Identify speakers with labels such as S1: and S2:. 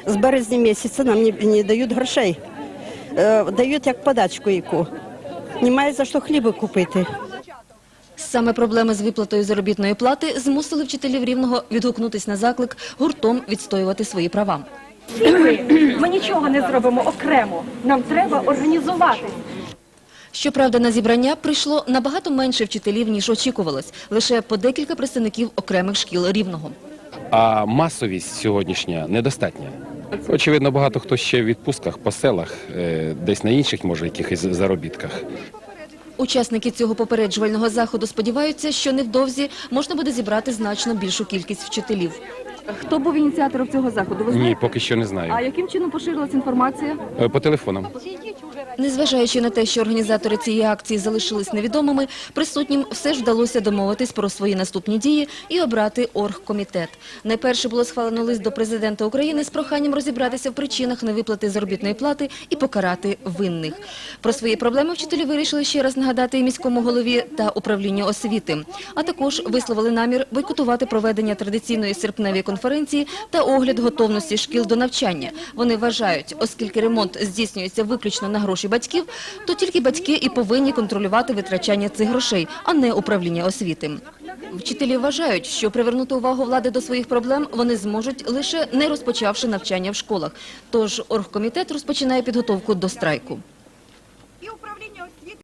S1: З березня місяця нам не дають грошей. Дають як подачку яку. Немає за що хліба купити.
S2: Саме проблеми з виплатою заробітної плати змусили вчителів Рівного відгукнутись на заклик гуртом відстоювати свої права.
S3: Ми нічого не зробимо окремо, нам треба організувати.
S2: Щоправда, на зібрання прийшло набагато менше вчителів, ніж очікувалось. Лише по декілька представників окремих шкіл Рівного.
S4: А масовість сьогоднішня недостатня. Очевидно, багато хто ще в відпустках по селах, десь на інших, може, якихось заробітках.
S2: Учасники цього попереджувального заходу сподіваються, що невдовзі можна буде зібрати значно більшу кількість вчителів.
S3: Хто був ініціатором цього заходу? Ви знаєте?
S4: Ні, поки що не знаю.
S3: А яким чином поширилася інформація?
S4: По телефонам.
S2: Незважаючи на те, що організатори цієї акції залишились невідомими, присутнім все ж вдалося домовитись про свої наступні дії і обрати оргкомітет. Найперше було схвалено лист до президента України з проханням розібратися в причинах невиплати заробітної плати і покарати винних. Про свої проблеми вчителі вирішили ще раз нагадати і міському голові та управлінню освіти. А також висловили намір бойкотувати проведення традиційної серпневої конференції та огляд готовності шкіл до навчання. Вони вважають, оскільки ремонт здійснюється виключно на гроші батьків, то тільки батьки і повинні контролювати витрачання цих грошей, а не управління освіти. Вчителі вважають, що привернути увагу влади до своїх проблем вони зможуть, лише не розпочавши навчання в школах. Тож оргкомітет розпочинає підготовку до страйку.